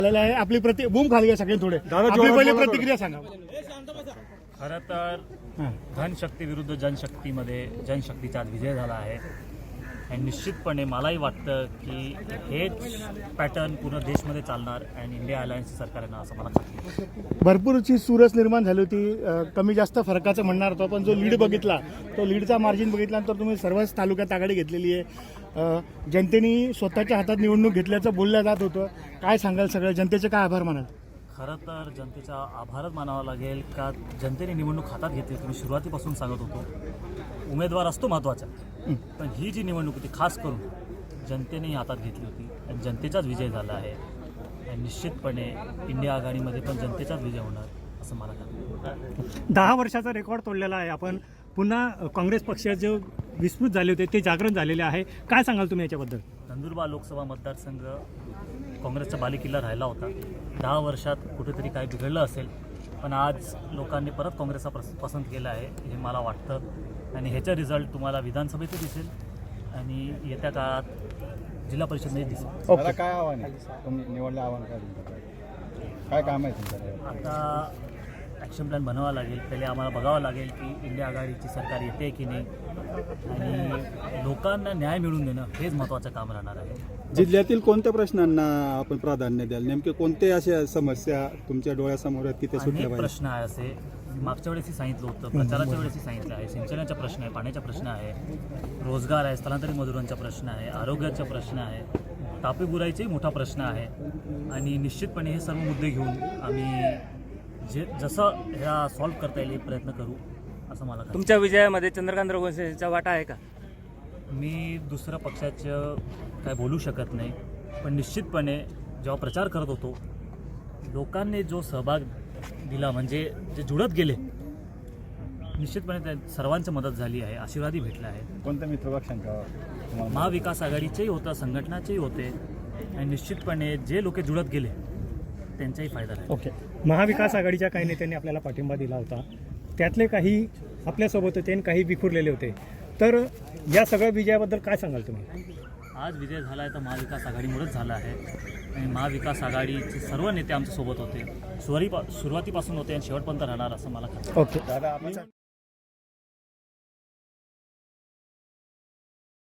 आहे आपली बूम खाली घ्या सगळे थोडे आपली पहिली प्रतिक्रिया सांगा. खरं तर धनशक्ती विरुद्ध जनशक्तीमध्ये जनशक्तीचा आज विजय झाला आहे आणि निश्चितपणे मलाही वाटतं की हेच पॅटर्न पूर्ण देशमध्ये चालणार आणि इंडिया अलायन्स सरकार येणार असं मला वाटतं. भरपूरची चुरस निर्माण झाली होती, कमी जास्त फरकाचं म्हणणार होतो, पण जो लीड बघितला तो लीडचा मार्जिन बघितल्यानंतर तुम्ही सर्वच तालुक्यात आघाडी घेतलेली आहे. जनतेने स्वतःच्या हातात निवडणूक घेतल्याचं बोललं जात होतं. काय सांगाल, सगळ्या जनतेचे काय आभार मानाल? खरं तर जनतेचा आभारच मानावा लागेल का जनतेने निवडणूक हातात घेतली. तुम्ही सुरुवातीपासून सांगत होतो उमेदवार असतो महत्त्वाचा, पण ही जी निवडणूक होती खास करून जनतेने हातात घेतली होती आणि जनतेचाच विजय झाला आहे आणि निश्चितपणे इंडिया आघाडीमध्ये पण जनतेचाच विजय होणार असं मला वाटतं. 10 वर्षाचा रेकॉर्ड तोडलेला आहे आपण. पुन्हा काँग्रेस पक्षाचे जे विस्मृत झाले होते ते जागरण झालेले आहे. काय सांगाल तुम्ही याच्याबद्दल? नंदुरबार लोकसभा मतदारसंघ काँग्रेसचा बालेकिल्ला राहिला होता. 10 वर्षात कुठेतरी काय बिघडलं असेल, पण आज लोकांनी परत काँग्रेसचा पसंत केला आहे हे मला वाटतं आणि ह्याचा रिझल्ट तुम्हाला विधानसभेतही दिसेल आणि येत्या काळात जिल्हा परिषदमध्ये दिसेल. मला काय आव्हान आहे तुम्ही निवडलं, आव्हान काय काम आहे तुमचं? आता ॲक्शन प्लॅन बनवावा लागेल. पहिले आम्हाला बघावं लागेल की इंडिया आघाडीची सरकार येते की नाही आणि लोकांना न्याय मिळवून देणं हेच महत्त्वाचं काम राहणार आहे. जिल्ह्यातील कोणत्या प्रश्नांना आपण प्राधान्य द्याल? नेमके कोणते अशा समस्या तुमच्या डोळ्यासमोर आहेत की ते सुटल्या अनेक पाहिजे? प्रश्न आहे असे मागच्या वेळेसही सांगितलं होतं, प्रचाराच्या वेळेसही सांगितलं आहे. सिंचनाचा प्रश्न आहे, पाण्याचा प्रश्न आहे, रोजगार आहे, स्थलांतरित मजुरांचा प्रश्न आहे, आरोग्याचा प्रश्न आहे, तापी बुराईचाही मोठा प्रश्न आहे आणि निश्चितपणे हे सर्व मुद्दे घेऊन आम्ही जसं ह्या सॉल्व्ह करता येईल प्रयत्न करू असं मला वाटतं. तुमच्या विजयामध्ये चंद्रकांत रघुवंशीचा वाटा आहे का? मी दुसऱ्या पक्षाचं काय बोलू शकत नाही, पण निश्चितपणे जेव्हा प्रचार करत होतो लोकांनी जो सहभाग दिला म्हणजे जे जुळत गेले निश्चितपणे त्या सर्वांची मदत झाली आहे, आशीर्वादही भेटला आहे. कोणत्या मित्रपक्षांचा? महाविकास आघाडीचेही होतं, संघटनाचेही होते आणि निश्चितपणे जे लोक जुळत गेले त्यांचाही फायदा आहे. ओके. महाविकास आघाडीच्या काही नेत्यांनी आपल्याला पाठिंबा दिला होता, त्यातले काही आपल्यासोबत होते आणि काही विखुरलेले होते. तर या सगळ्या विजयाबद्दल काय सांगाल तुम्ही? आज विजय झाला आहे तर महाविकास आघाडीमुळेच झाला आहे आणि महाविकास आघाडीचे सर्व नेते आमच्यासोबत होते, सुरुवातीपासून होते आणि शेवटपर्यंत राहणार असं मला खात्री आहे. ओके. दादा